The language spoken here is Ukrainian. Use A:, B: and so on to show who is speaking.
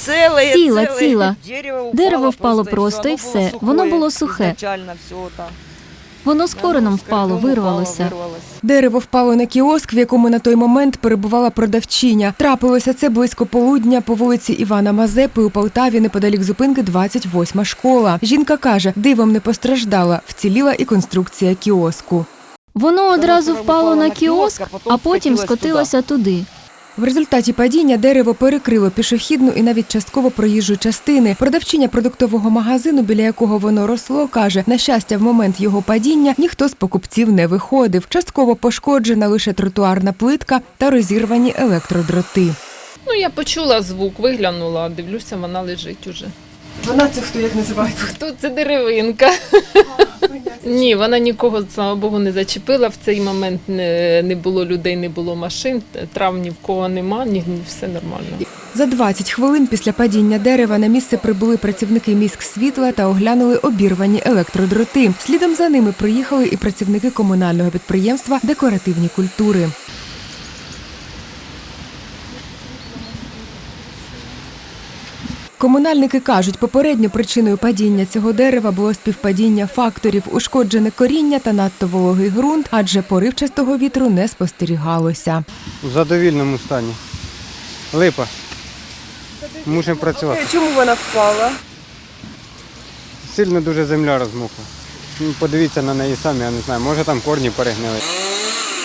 A: Ціла. Дерево впало просто і все. Воно було сухе. Воно з кореном впало, вирвалося.
B: Дерево впало на кіоск, в якому на той момент перебувала продавчиня. Трапилося це близько полудня по вулиці Івана Мазепи у Полтаві, неподалік зупинки 28-ма школа. Жінка каже, дивом не постраждала, вціліла і конструкція кіоску.
A: Воно одразу впало на кіоск, а потім скотилося туди.
B: В результаті падіння дерево перекрило пішохідну і навіть частково проїжджу частини. Продавчиня продуктового магазину, біля якого воно росло, каже, на щастя, в момент його падіння ніхто з покупців не виходив. Частково пошкоджена лише тротуарна плитка та розірвані електродроти.
C: Я почула звук, виглянула, дивлюся, вона лежить уже.
B: Вона це хто, як називається?
C: Хто це деревинка? Ні, вона нікого, слава Богу, не зачепила. В цей момент не було людей, не було машин, травм ні в кого нема, все нормально.
B: За 20 хвилин після падіння дерева на місце прибули працівники міськсвітла та оглянули обірвані електродроти. Слідом за ними приїхали і працівники комунального підприємства «Декоративні культури». Комунальники кажуть, попередньо причиною падіння цього дерева було співпадіння факторів – ушкоджене коріння та надто вологий ґрунт, адже поривчастого вітру не спостерігалося.
D: У задовільному стані. Липа. Мусимо працювати.
B: Чому вона впала?
D: Сильно дуже земля розмокла. Подивіться на неї самі, я не знаю, може там корні перегнили.